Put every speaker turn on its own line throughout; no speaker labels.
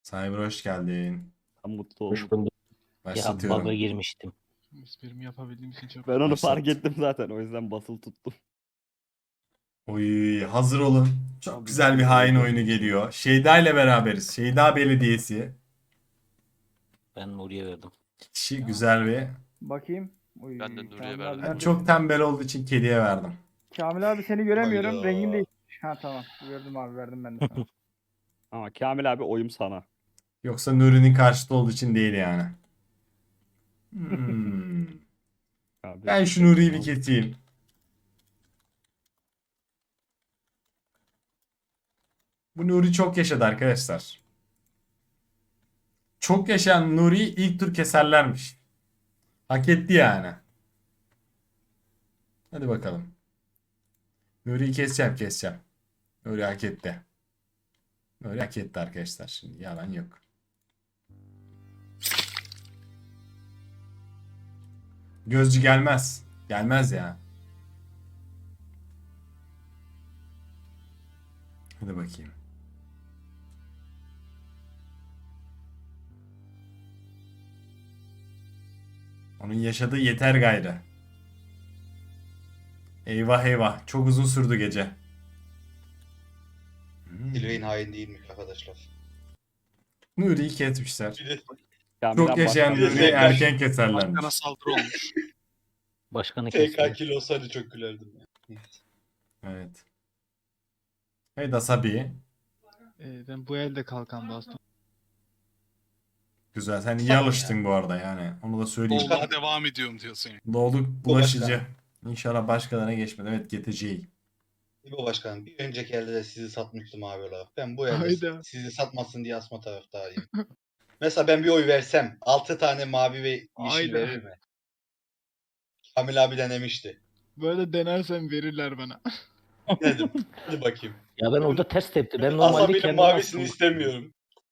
Cyber hoş geldin.
Ben mutlu
Hoş
oldum.
bulduk.
Ya
Başlatıyorum.
bug'a girmiştim.
Esprimi yapabildiğim için çok
Ben onu
Başlat.
fark ettim zaten. O yüzden basılı tuttum.
Oy, hazır olun. Çok
Abi,
güzel bir hain
abi.
oyunu geliyor. Şeyda ile beraberiz. Şeyda Belediyesi.
Ben Nuriye verdim.
Kişi güzel bir.
Bakayım. Uy,
Ben de Nuriye
Kamil
verdim.
abi
Ben
nerede?
çok tembel olduğu için kediye verdim.
Kamil abi seni göremiyorum.
Hayda.
Rengin değişmiş. Ha tamam. Gördüm abi verdim ben de sana.
Ama Kamil abi oyum sana.
Yoksa Nuri'nin karşıtı olduğu için değil yani. Hmm.
Abi.
Ben şu Nuri'yi bir keseyim. Bu Nuri çok yaşadı arkadaşlar. Çok yaşayan Nuri'yi ilk tur keserlermiş. Hak etti yani. Hadi bakalım. Nuri'yi keseceğim. Nuri hak etti. Nuri hak etti arkadaşlar. Şimdi yalan yok. Gözcü gelmez. Gelmez ya. Hadi bakayım. Onun yaşadığı yeter gayrı. Eyvah eyvah. Çok uzun sürdü gece.
Silveyn hain değilmiş arkadaşlar.
Nuri'yi kesmişler.
Kamil
Çok
abi
yaşayan
başka-
Nuri'yi erken
Başkana
keserlermiş.
saldırı olmuş.
Başkanı
TK
kesti.
kill olsaydı çok gülerdim ya.
Evet. Hey Dasabi.
ben bu elde kalkan bastım.
Güzel. Sen iyi alıştın bu arada yani. Onu da söyleyeyim.
Dolmaya devam ediyorum diyorsun yani.
Doğduk
Bu
bulaşıcı.
başka.
İnşallah başkalarına geçmedi. Evet geteceği.
İbo Başkanım bir önceki elde de sizi satmıştım abi olarak. Ben bu elde
Hayda.
sizi satmasın diye asma taraftarıyım. Mesela ben bir oy versem 6 tane mavi ve yeşil
Hayda.
verir mi? Kamil abi denemişti.
Böyle denersem verirler bana.
Dedim. Hadi bakayım.
Ya ben orada ters tepti. Ben normalde
Asabi'nin
kendim
mavisini
astım.
istemiyorum.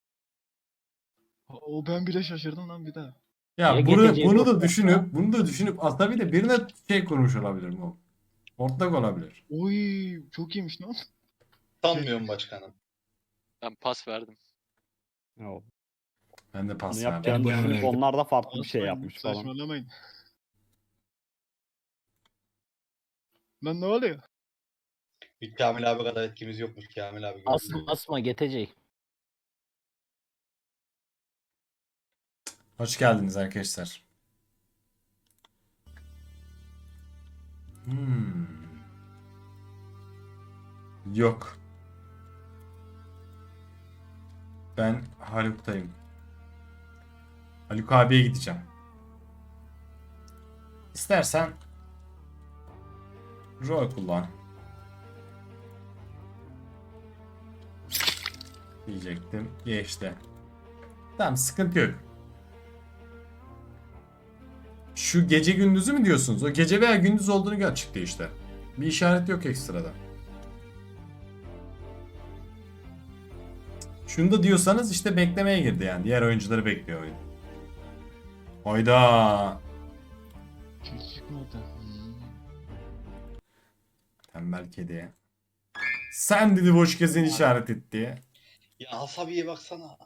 O ben bile şaşırdım lan bir daha.
Ya
Ya
bunu,
geteceği
bunu
yok.
da düşünüp aslında bir de birine şey kurmuş olabilir mi? Ortak olabilir.
Oy çok iyiymiş lan.
Sanmıyorum başkanım.
Ben pas verdim.
Ya,
Ben de
Bunu
pas verdim.
yapacağını
Ben
düşünüp
bunu
onlar da farklı bir şey
Asmayın,
yapmış falan.
Saçmalamayın. Lan ne oluyor?
Bir Kamil abi kadar etkimiz yokmuş Kamil abi.
Asma geteceği.
Hoş geldiniz arkadaşlar. Hmm. Yok. Ben Haluk'tayım. Haluk abiye gideceğim. İstersen rol kullan. Diyecektim. Geçti. Tamam sıkıntı yok. Şu gece gündüzü mü diyorsunuz? O gece veya gündüz olduğunu çıktı işte. Bir işaret yok ekstrada. Şunu da diyorsanız işte beklemeye girdi yani. Diğer oyuncuları bekliyor oyun. Hayda.
Hiç çıkmadı.
Tembel kedi. Sen dedi boş gezen işaret etti.
Ya Asabi'ye baksana.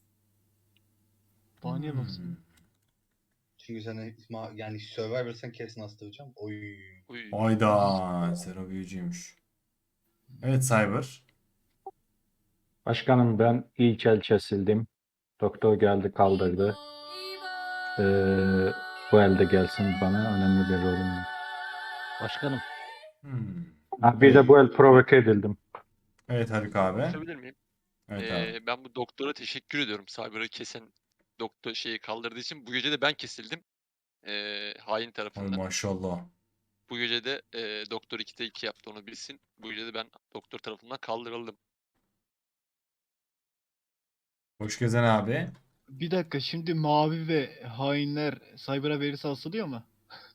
Bana niye baksın?
Çünkü sen yani Survivor sen kesin astıracağım. Oy.
Uy.
Hayda. Zero büyücüymüş. Evet Cyber.
Başkanım ben ilk el kesildim. Doktor geldi kaldırdı. Bu elde gelsin bana önemli bir rolüm var.
Başkanım.
Hmm.
Ha, bir de bu el provoke edildim.
Evet Haluk abi.
Konuşabilir miyim?
Evet abi.
Ben bu doktora teşekkür ediyorum. Cyber'ı kesen doktor şeyi kaldırdığı için. Bu gece de ben kesildim. Hain
Ay
tarafından.
maşallah.
Bu gece de doktor 2'de 2 yaptı, onu bilsin. Bu gece de ben doktor tarafından kaldırıldım.
Hoş gezen abi.
Bir dakika şimdi mavi ve hainler Cyber'a verirse asılıyor mu?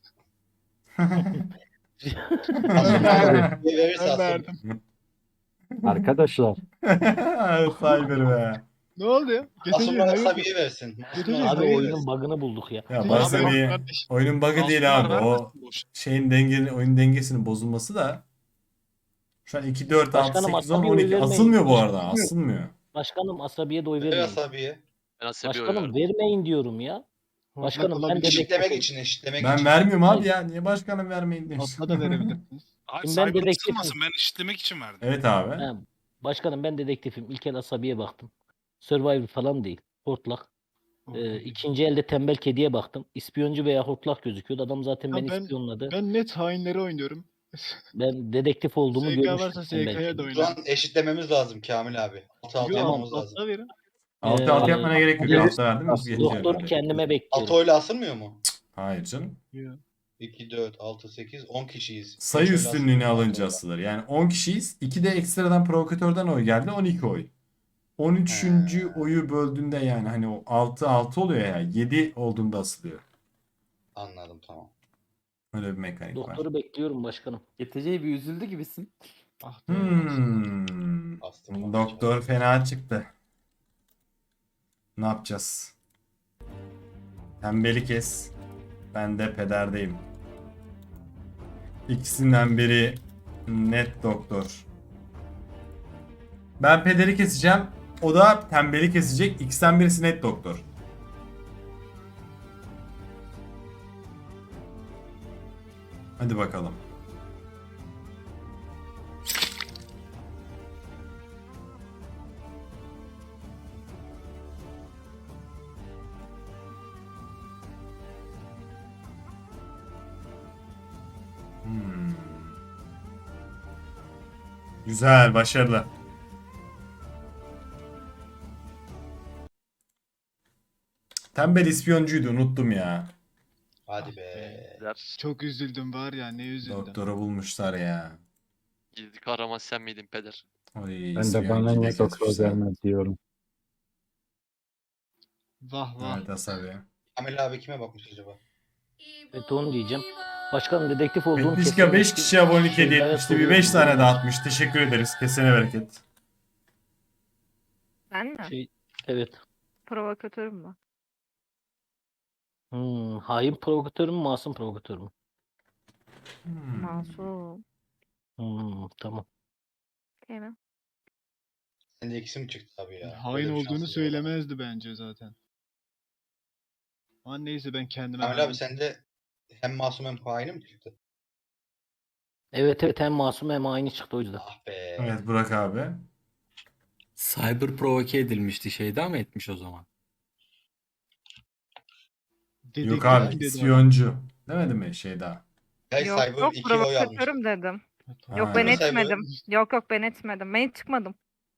Asabi verirse
Ben
asıl.
verdim.
Arkadaşlar
Cyber be.
Ne oluyor? Geteceği
Asıl
hayır.
Asabi'ye versin.
Geteceği
Abi
hayır.
oyunun bug'ını bulduk ya.
Ya
Abi,
bazen
bak
bir
kardeş.
oyunun bug'ı değil abi. O şeyin oyun dengesinin bozulması da şu an 2, 4, 6,
Başkanım,
8, 10,
Asabi
12
oylarına
asılmıyor bu
hiç
arada.
bilmiyorum.
Asılmıyor.
Başkanım asabiye de oy
Ver
vermeyin.
asabiye.
Ben asabi oy
Başkanım
verdim.
vermeyin diyorum ya.
Hortlak
Başkanım, ben
olabilir.
de-
Eşitlemek için, eşitlemek
Ben
için.
vermiyorum abi
Hayır.
ya. Niye başkanım vermeyin demiş.
Hortla da verebilirsiniz.
Abi
Şimdi ben
Cyber
dedektifim.
kısılmasın, ben eşitlemek için verdim.
Evet abi.
He, başkanım ben dedektifim. İlk el asabiye baktım. Survivor falan değil. Hortlak. İkinci elde tembel kediye baktım. İspiyoncu veya hortlak gözüküyordu. Adam zaten
Ha,
beni
ben-
ispiyonladı.
Ben net hainleri oynuyorum.
Ben dedektif olduğumu
SK
görmüştüm.
varsa
tembel
SK'ya
kedi.
da
Şu an
oynarım.
eşitlememiz lazım Kamil abi. 6-6
Yo,
yapmamız lazım.
altta verin.
Altı altı
Ee,
yapmana gerek yok.
evet.
Altta verdim mi?
Aslında
Geçiyor
Doktoru
öyle.
kendime
6
bekliyorum.
oyla asılmıyor mu?
Hayır canım.
Yo.
2, 4, 6, 8, 10 kişiyiz.
Sayı
Üç oyla
üstünlüğünü
asılmıyor, altı
alınca
oyla.
asılır. Yani 10 kişiyiz. 2 de ekstradan provokatörden oy geldi. 12 oy. 13.
He.
oyu böldüğünde yani hani o 6-6 oluyor ya. 7 olduğunda asılıyor.
Anladım, tamam.
Öyle bir mekanik var.
Doktoru bekliyorum başkanım.
Getece'yi bir üzüldü gibisin.
Ah be.
Bastım.
Doktor fena çıktı. Ne yapacağız? Tembeli kes. Ben de pederdeyim. İkisinden biri net doktor. Ben pederi keseceğim. O da tembeli kesecek. İkisinden birisi net doktor. Hadi bakalım. Hmm. Güzel, başarılı. Tembel ispiyoncuydu, unuttum ya.
Hadi be.
Der.
Çok üzüldüm var ya, ne üzüldüm.
Doktoru bulmuşlar ya.
Gizli kahraman sen miydin peder?
Oy,
Ben de bana
ispiyoncuyu da
ne doktor
kesmişler.
gelmez diyorum.
Vah vah.
Evet Asabi.
Kamil abi kime bakmış acaba?
Evet onu diyeceğim. Başkanım dedektif olduğum
Petlişka 5 kişi abonelik hediye
Şeylere
etmişti. Bir
soruyorum.
5 tane dağıtmış. Teşekkür ederiz. Kesene bereket.
Ben mi?
Evet.
Provokatörüm mü?
Hain provokatör mü, masum provokatör mü?
Masum.
Tamam.
Değil mi?
Sende ikisi mi çıktı abi ya?
Hain
Böyle bir
olduğunu
şansın yok.
söylemezdi bence zaten. Ama neyse ben kendime
Kamil
hain-
abi sende hem masum hem haini mi çıktı?
Evet hem masum hem haini çıktı o yüzden.
Ah be.
Evet Burak abi.
Cyber provoke edilmişti. Şeyda mı etmiş o zaman?
Dedektif
Yok abi
dedi adam.
ispiyoncu. Demedi mi şey daha?
Hey
Yok
Cyber
yok
2 oy almış.
provokatörüm dedim. Yok
Ha.
ben
Mesela
etmedim. Yok ben etmedim. Ben hiç çıkmadım.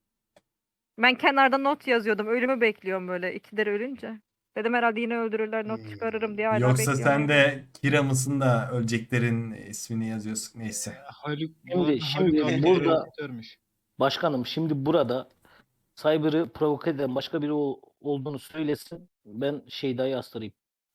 Ben kenarda not yazıyordum. Ölümü bekliyorum böyle ikileri ölünce. Dedim herhalde yine öldürürler not çıkarırım diye hala
Yoksa
bekliyorum.
sen de Kira mısın da öleceklerin ismini yazıyorsun. Neyse.
Haluk,
Şimdi
abi
burada-
provokatörmüş.
Başkanım şimdi burada Cyber'ı provoke eden başka biri olduğunu söylesin. Ben Şeyda'yı astırayım.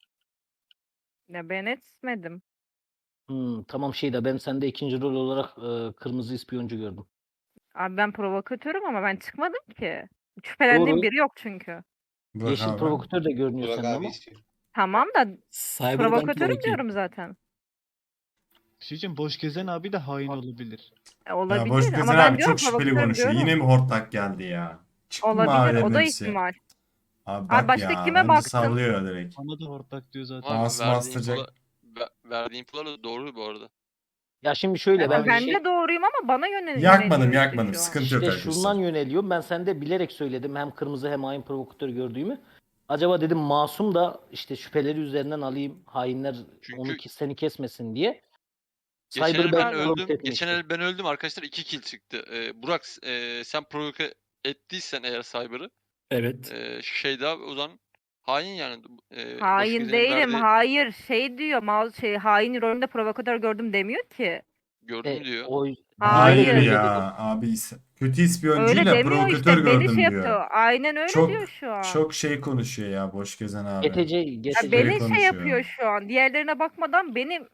Ya ben etmedim.
Tamam Şeyda, ben sende ikinci rol olarak kırmızı ispiyoncu gördüm.
Abi ben provokatörüm ama ben çıkmadım ki. Şüphelendiğim
Doğru.
biri yok çünkü.
Burak
Yeşil
abi.
provokatör de görünüyor
Burak
sende
abi
ama.
istiyor.
Tamam da
Cyber'dan
provokatörüm
provoke
diyorum zaten.
Bir şey diyeceğim, boş gezen abi de hain olabilir.
Ya
Olabilir
boş
ama
gezen
ben
abi
diyorum
çok şüpheli
provokatörüm
konuşuyor.
diyorum.
Yine mi hortlak geldi ya? Çıktı mı
Olabilir.
abilerin
O da
hepsi?
ihtimal.
Abi bak
başka
ya.
kime
Bence
baktın?
sallıyor direkt.
Bana da hortlak diyor zaten.
Ama
Masum astıracak.
verdiğin infolar da doğru bu arada.
Ya şimdi şöyle
Ya
ben
ben
şey,
de doğruyum ama bana yöneliyor.
Yakmadım
işte
yakmadım.
şu an.
Sıkıntı yok
işte
arkadaşlar.
şundan yöneliyorum. Ben sende bilerek söyledim hem kırmızı hem hain provokatör gördüğümü. Acaba dedim masum da işte şüpheleri üzerinden alayım. Hainler
Çünkü-
seni kesmesin diye.
Geçen
Cyber'ı
el ben
provoke
öldüm.
etmek
Geçen
istedim.
el ben öldüm arkadaşlar 2 kill çıktı. Burak sen provoke ettiysen eğer Cyber'ı
Evet.
şey daha o zaman hain yani. Boş
Hain
gezenin
değilim.
verdiği-
Hayır şey diyor. Hain rolünde provokatör gördüm demiyor ki.
Gördüm diyor.
Hayır
Hayır.
ya abi kötü
Öyle
ispiyoncuyla
demiyor
provokatör
işte. Beni
gördüm
şey
diyor.
yapıyor. Aynen öyle
Çok-
diyor şu an.
Çok şey konuşuyor ya boş gezen abi.
GTC,
Ya
GTC.
beni
konuşuyor.
şey yapıyor şu an. Diğerlerine bakmadan benim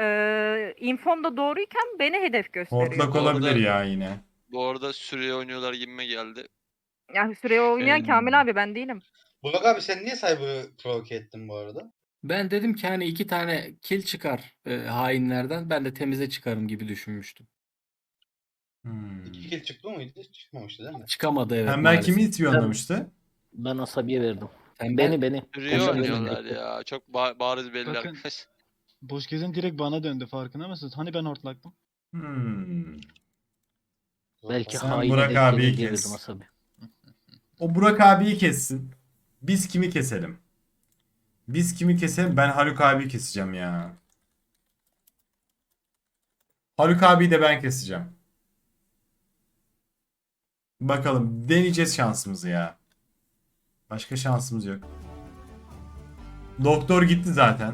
infom da doğruyken beni hedef gösteriyor.
Hortlak
Bu arada-
olabilir ya yine.
Bu arada süreye oynuyorlar gibime geldi.
Ya süreye oynayan
Şey-
Kamil abi ben değilim.
Burak abi sen niye Cyber'ı provoke ettin bu arada?
Ben dedim ki hani 2 tane kill çıkar hainlerden. Ben de temize çıkarım gibi düşünmüştüm.
Hmm.
2 kill çıktı mıydı? Çıkmamıştı değil mi?
Çıkamadı evet
Tembel
maalesef.
kimi ispiyonlamıştı?
Ben asabiye verdim.
Tembel
Beni.
Rio
Tembel
oynuyorlar
verdim.
ya. Çok bariz belli
Bakın.
arkadaş.
Boş gezen direkt bana döndü farkında mısınız? Hani ben hortlaktım.
Hmm.
Belki
Sen
haine
Burak
denk
abiyi
gelir diye
kes.
verdim asabi.
O Burak abiyi kessin. Biz kimi keselim? Biz kimi keselim? Ben Haluk abiyi keseceğim ya. Haluk abiyi de ben keseceğim. Bakalım deneyeceğiz şansımızı ya. Başka şansımız yok. Doktor gitti zaten.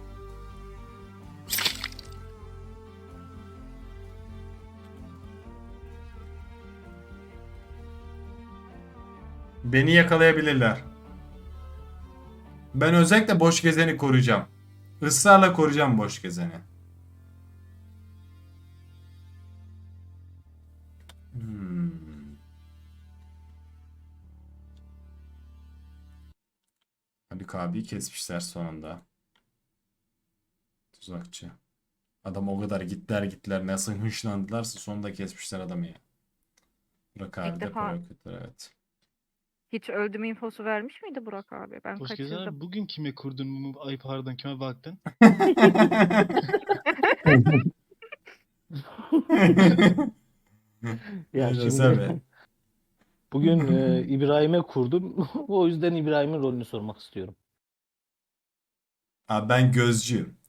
Beni yakalayabilirler. Ben özellikle boş gezeni koruyacağım. Israrla koruyacağım boş gezeni. Hmm. Haluk abiyi kesmişler sonunda. Tuzakçı. Adam o kadar gittiler nasıl hınçlandılarsa sonunda kesmişler adamı ya. Burak abi de
defa-
provokatör evet.
Hiç öldüm infosu vermiş miydi Burak abi? Ben
Boş gezen
kaçırdım.
abi bugün kime kurdun mu? Ay pardon kime baktın?
Ya
Neyse,
şimdi
sen
bugün İbrahim'e kurdum. O yüzden İbrahim'in rolünü sormak istiyorum.
Abi ben gözcüyüm.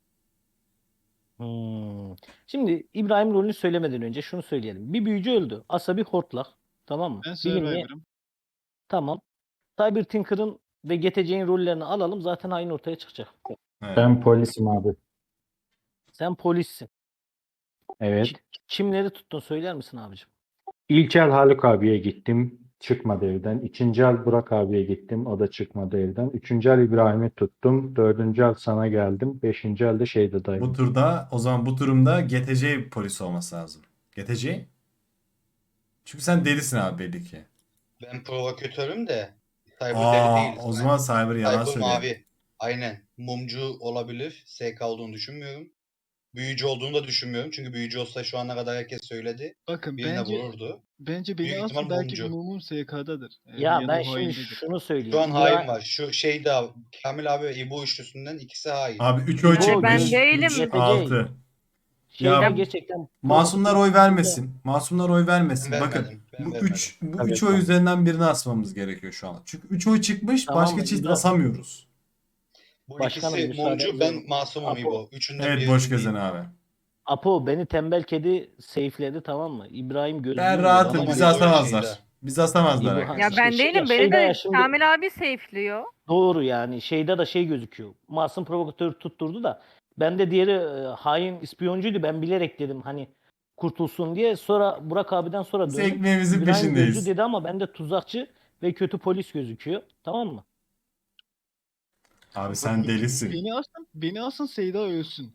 Şimdi İbrahim rolünü söylemeden önce şunu söyleyelim. Bir büyücü öldü. Asabi hortlak. Tamam mı?
Ben
Bilinmeyen-
Survivor'ım.
Tamam. Cyber Tinker'ın ve GTC'nin rollerini alalım. Zaten aynı ortaya çıkacak.
Evet.
Ben polisim abi.
Sen polissin.
Evet.
Kimleri tuttun söyler misin abicim?
İlk el Haluk abiye gittim. Çıkmadı evden. İkinci el Burak abiye gittim. O da çıkmadı evden. Üçüncü el İbrahim'i tuttum. Dördüncü el sana geldim. Beşinci el de şeyde
Bu
dayım.
turda o zaman bu turumda GTC polis olması lazım. GTC? Çünkü sen delisin abi belli ki.
Ben provokatörüm de. Cyber deli değil.
O zaman Cyber yalan
Cyber
söylüyor.
mavi. Aynen. Mumcu olabilir. SK olduğunu düşünmüyorum. Büyücü olduğunu da düşünmüyorum. Çünkü büyücü olsa şu ana kadar herkes söyledi.
Bakın
Birine vururdu.
bence beni
Büyük
asın
ihtimal
belki
mumcu.
mumum SK'dadır.
Ya
da
ben
o
şimdi
haindedir.
şunu söyleyeyim.
Şu an
İbrahim-
hain var. Şu şeyde Kamil abi ve İbo üçlüsünden ikisi hain.
Abi 3 oy
İbo,
çıkmış.
ben değilim.
3,
GTC.
6.
Şeyde
Ya
gerçekten
Masumlar oy vermesin. Masumlar oy
Ben
vermesin. Bakın
vermedim. Ben
bu
vermedim.
3 bu
Evet,
3 oy
tamam.
üzerinden birini asmamız gerekiyor şu an. Çünkü 3 oy çıkmış,
Tamam
başka
mı?
çift
İbrahim-
asamıyoruz.
Bu
Başkanım,
ikisi mumcu,
müsaadenizle-
ben masumum
Apo.
İbo. Üçünden
Evet
biri
boş
değil.
gezen abi.
Apo beni tembel kedi safe'ledi, tamam mı? İbrahim gözlüğünü
Ben
dedi
rahatım.
ama
Bizi
İbo
asamazlar.
şeyde.
Bizi asamazlar
İbo-
arkadaşlar.
Ya ben
Şey-
değilim.
şey
Beni
de ya
de
şimdi-
Kamil abi safe'liyor.
doğru yani. Şeyde de şey gözüküyor. Masum provokatör tutturdu da ben de diğeri hain ispiyoncuydu. Ben bilerek dedim hani kurtulsun diye. Sonra Burak abiden sonra
Biz
döndüm.
ekmeğimizin
İbrahim
peşindeyiz.
gözcü dedi ama bende tuzakçı ve kötü polis gözüküyor. Tamam mı?
Abi sen delisin.
Beni asın Seyda ölsün.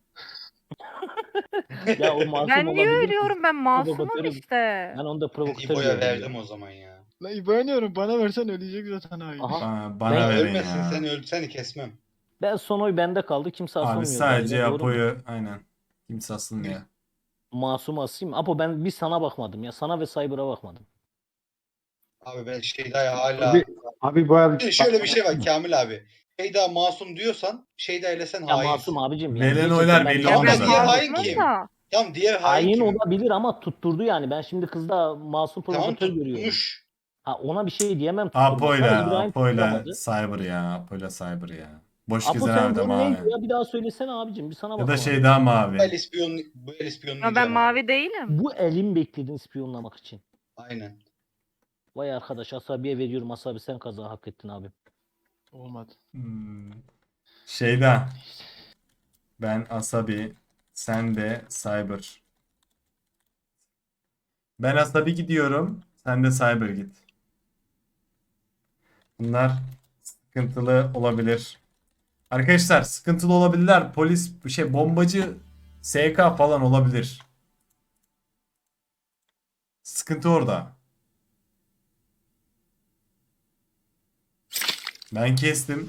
Ya o masum
Ben niye
olabilir.
ölüyorum? Ben masumum
Provokatörüm.
işte.
Ben onda
Ben
provokatör
İbo'ya
gördüm
verdim
ya.
o zaman ya.
Lan İbo oynuyorum bana versen ölecek zaten hain.
Aha.
Bana
Ben-
verin
Ölmesin
ya.
sen seni kesmem.
Ben son oy bende kaldı. Kimse
Abi
asamıyor.
sadece
galiba, doğru mu?
Apo'yu aynen. Kimse asılmıyor.
Masum asayım. Apo ben bir sana bakmadım ya. Sana ve Cyber'a bakmadım.
Abi ben Şeyda'ya hala...
Abi bu el
Şimdi şöyle bir şey var Kamil abi. Şeyda masum diyorsan Şeyda ile sen
Ya
hainsin.
masum abicim ya.
Verilen
Gerçekten
oylar
ben
belli
Ya
olmaz
ben
zaten.
Diğer hain
masumum
kim?
da.
Tamam diğer hain
Hain
kim?
olabilir ama tutturdu yani. Ben şimdi kızda masum
Tamam
provokatör görüyorum.
tutmuş.
Ha, ona bir şey diyemem tutturmak. Ama
Apo'yla
İbrahim tutturamadı.
Cyber ya. Apo'yla Cyber ya. Boş
Apo
gezen
sen
abi de
rol
mavi.
neydi ya? Bir daha söylesene abicim. Bir sana
Ya da
bakamadım.
şey daha
Bu
mavi.
el
Ya
ispiyonlayacağım
ben
abi.
mavi değilim.
Bu elin bekledin ispiyonlamak için.
Aynen.
Vay arkadaş Asabi'ye veriyorum. Asabi sen kaza hak ettin abi.
Olmadı.
Şeyda. Ben Asabi. Sen de Cyber. Ben Asabi gidiyorum. Sen de Cyber git. Bunlar sıkıntılı olabilir. Arkadaşlar sıkıntılı olabilirler. Polis bombacı SK falan olabilir. Sıkıntı orada. Ben kestim.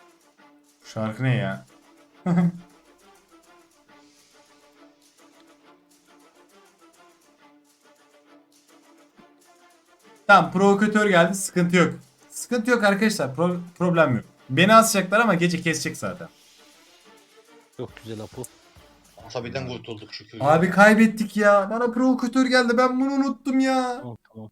Şarkı ne ya? Tamam, provokatör geldi, sıkıntı yok. Sıkıntı yok arkadaşlar, problem yok. Beni asacaklar ama gece kesecek zaten.
Çok güzel Apo.
Asabiden kurtulduk şükür.
Abi kaybettik ya. Bana provokatör geldi, ben bunu unuttum ya.
Tamam tamam.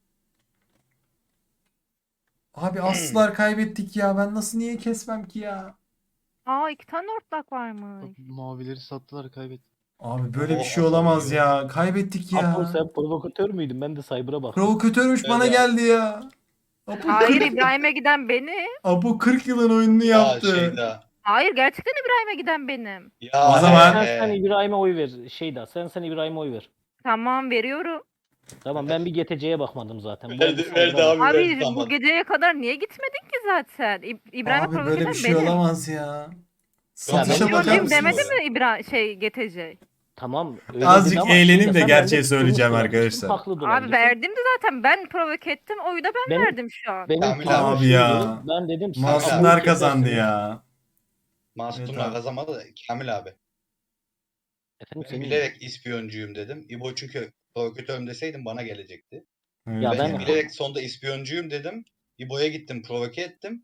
Abi aslılar, kaybettik ya. Ben nasıl niye kesmem ki ya?
Aa 2 tane ortak varmış.
Mavileri sattılar kaybettik.
Abi böyle bir
Oh,
şey
Hasan
olamaz
diyor.
ya. Kaybettik ya.
Apo sen provokatör müydün? Ben de Cyber'a baktım.
Provokatörmüş, bana
Evet.
geldi ya. Apo
Hayır
40,
İbrahim'e giden benim.
Apo 40 yılın oyununu
Ya
yaptı.
Şeyda.
Hayır gerçekten İbrahim'e giden benim.
Ya
O zaman-
Sen İbrahim'e oy ver. Şeyda sen İbrahim'e oy ver.
Tamam veriyorum.
Tamam ben bir GTC'ye bakmadım zaten. Bu
Verdi,
oldu,
verdi
Cyber'a
abi.
bak.
Abi
verdi,
bu
tamam.
geceye kadar niye gitmedin ki zaten? İbrahim'e
Abi
provoke
böyle
eden
bir şey
benim.
olamaz ya.
ben
Satışa
biliyorum,
bakar
Diyorum
mısınız?
demedi mi GTC?
Tamam. Öyle
Azıcık
dedi ama
eğleneyim
Şeyda,
de
sen
gerçeği
bende
söyleyeceğim
suçlu
arkadaşlar.
olabilirsin, Haklı da
Abi
olabilirsin.
verdim de zaten ben provoke ettim. Oyu da ben
Benim-
verdim şu an.
Benim
Kamil
planım
abi
şuydu,
ya.
Ben dedim siz
Masumlar
Apo'yu
kazandı
kesersiniz.
ya.
Masumlar
Evet abi.
kazanmadı da Kamil abi.
Efendim
Ben
senin
bilerek ispiyoncuyum dedim. İbo çünkü provokatörüm deseydim bana gelecekti.
Evet
Ya
Ben
ben-
bilerek sonda ispiyoncuyum dedim. İbo'ya gittim, provoke ettim.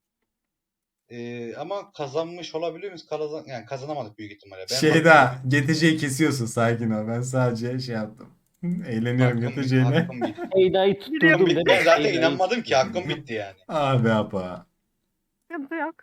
Ama kazanmış olabilir miyiz? Yani kazanamadık büyük ihtimalle. Ben
Şeyda, GTC'yi kesiyorsun, sakin ol. Ben sadece şey yaptım. Eğleniyorum GTC'yle.
Hakkım bitti.
Şeyda'yı
Hakkım
tutturdum
bitti.
dedim.
Ben zaten
Şeyda'yı
inanmadım ki
tutturdum.
hakkım bitti yani.
Abi apa.
Sıkıntı yok.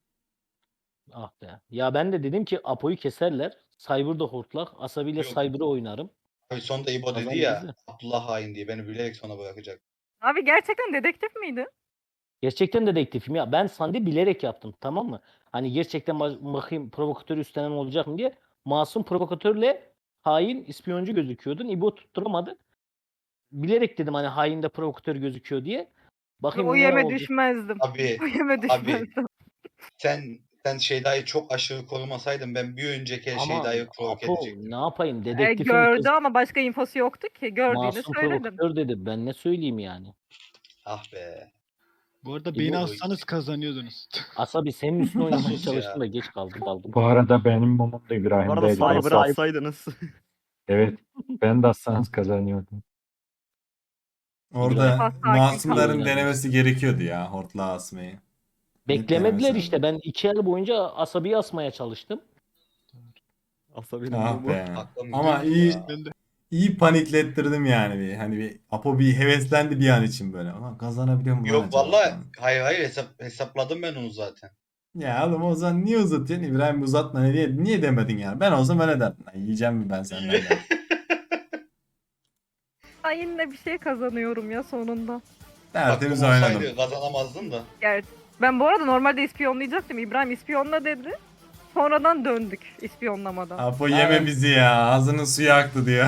Ah be. Ya ben de dedim ki Apo'yu keserler. Cyber'da hortlak. Asabiyle
Yok.
Cyber'ı oynarım.
Abi sonda İbo dedi
Kazandı
ya
bizi.
Abdullah hain diye beni bilerek sona bırakacak.
Abi gerçekten dedektif miydi?
Gerçekten dedektifim ya. Ben Sandi bilerek yaptım, tamam mı? Hani gerçekten bakayım provokatör üstlenen olacak mı diye. Masum provokatörle hain ispiyoncu gözüküyordun. İbo tutturamadı. Bilerek dedim hani hain de provokatör gözüküyor diye. Bakayım
O
ne
yeme
olacak.
düşmezdim.
Abi
O yeme düşmezdim.
sen Şeyda'yı çok aşırı korumasaydın ben bir önceki
Ama
Şeyda'yı provoke
Apo
edecektim.
ne yapayım? Dedektifim
Gördü
kız.
ama başka infosu yoktu ki. Gördüğünü
Masum
söyledim.
provokatör dedi. Ben ne söyleyeyim yani?
Ah be.
Bu arada
İbo-
beni assanız kazanıyordunuz.
Asabi senin üstüne oynamaya
Sus ya.
çalıştım da geç kaldım.
Bu arada benim mumum da
Bu arada
İbrahim'deydi. Ben
Cyber'ı
sat-
atsaydınız.
Evet. Ben de assanız kazanıyordum.
Orada
Sakin
masumların
kalın.
denemesi gerekiyordu ya, hortlağı asmayı.
Beklemediler
Beklemesi
işte. Ben 2 el boyunca Asabi'yi asmaya çalıştım.
Asabinin
Ah
mumu.
be.
Aklım
Ama
gidiyor
iyi
ya.
Ben de
iyi paniklettirdim yani bir. Hani bir Apo bir heveslendi bir an için böyle. Ulan kazanabiliyor mu lan
Yok
acaba
vallahi
falan.
hayır hesapladım ben onu zaten.
Ya oğlum o zaman niye uzatıyorsun? İbrahim uzatma niye demedin yani? Ben olsam öyle derdim. Lan yiyeceğim mi ben senden derdim.
Ay yine bir şey kazanıyorum ya sonunda.
Tertemiz
Hakkım
oynadım.
olsaydı kazanamazdın da.
Gerçi. Ben bu arada normalde ispiyonlayacaktım. İbrahim ispiyonla dedi. Sonradan döndük ispiyonlamadan.
Apo yeme bizi ya. Ağzının suyu aktı diyor.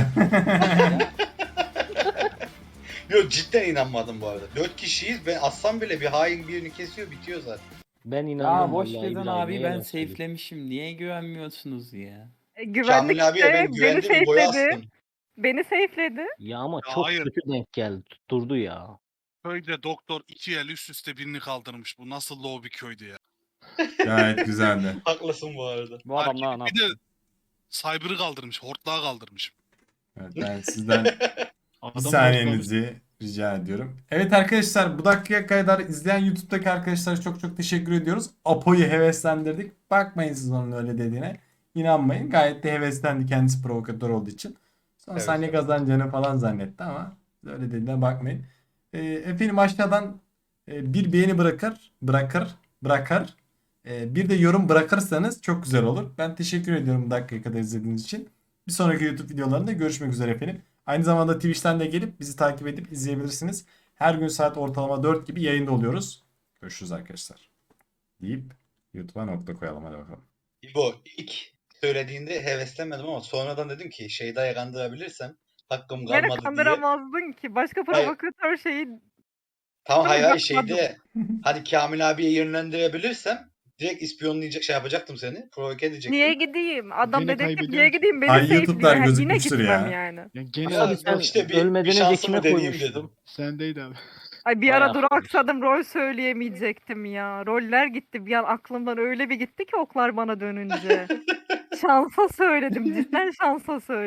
Yok cidden inanmadım bu arada. 4 kişiyiz. Ben assam bile bir hain birini kesiyor bitiyor zaten.
Ben inanıyorum.
Ya boş
vallahi
verin
İbrahim'e,
abi ben
yalan söyleyeyim.
safe'lemişim. Niye güvenmiyorsunuz ya?
Güvenlik
Kamil abiye
işte.
ben
Beni
güvendim İbo'ya
safe'ledi.
astım.
Beni safe'ledi.
Ya ama
Ya
çok
hayır.
kötü denk geldi. Tutturdu ya.
Köyde doktor 2 el üst üste birini kaldırmış. Bu nasıl low bir köydü ya.
Gayet güzeldi.
Haklısın bu arada.
Bu adam ne
Bir de Cyber'ı kaldırmış. Hortlağı kaldırmış.
Evet, ben sizden
adam
bir saniyenizi rica ediyorum. Evet arkadaşlar, bu dakikaya kadar izleyen YouTube'daki arkadaşlara çok çok teşekkür ediyoruz. Apo'yu heveslendirdik. Bakmayın siz onun öyle dediğine. İnanmayın. Gayet de heveslendi, kendisi provokatör olduğu için. Son
Evet,
saniye
evet.
kazanacağını falan zannetti ama öyle dediğine bakmayın. Efendim aşağıdan bir beğeni bırakır. Bir de yorum bırakırsanız çok güzel olur. Ben teşekkür ediyorum bu dakikaya kadar izlediğiniz için. Bir sonraki YouTube videolarında görüşmek üzere efendim. Aynı zamanda Twitch'ten de gelip bizi takip edip izleyebilirsiniz. Her gün saat ortalama 4 gibi yayında oluyoruz. Görüşürüz arkadaşlar. Deyip YouTube'a nokta koyalım, hadi bakalım.
İbo ilk söylediğinde heveslenmedim ama sonradan dedim ki Şeyda'yı kandırabilirsem hakkım
Beni
kalmadı diye.
kandıramazdın ki. Başka
Hayır.
provokatör şeyi
Tamam
Ama
hayır
bakmadım.
şeyde hani Kamil abiye yönlendirebilirsem direkt ispiyonlayacak şey yapacaktım seni. Provoke edecektim.
niye gideyim? Adam
Gene
dedektif
kaybediyorum
niye
ki.
gideyim? Beni
Ay,
safe'liyor.
YouTube'lar
Yine
gözükmüştür
gitmem
ya.
yani.
Yani gene
Ya,
Abi sen
işte bir
ölmeden önce
şansımı
kime
deneyeyim
koymuştun?
dedim.
sendeydi abi.
Ay bir
Vay
ara
arkadaş.
duraksadım, rol söyleyemeyecektim ya. Roller gitti. Bir an aklımdan öyle bir gitti ki oklar bana dönünce. Şansa söyledim. Cidden şansa söyledim.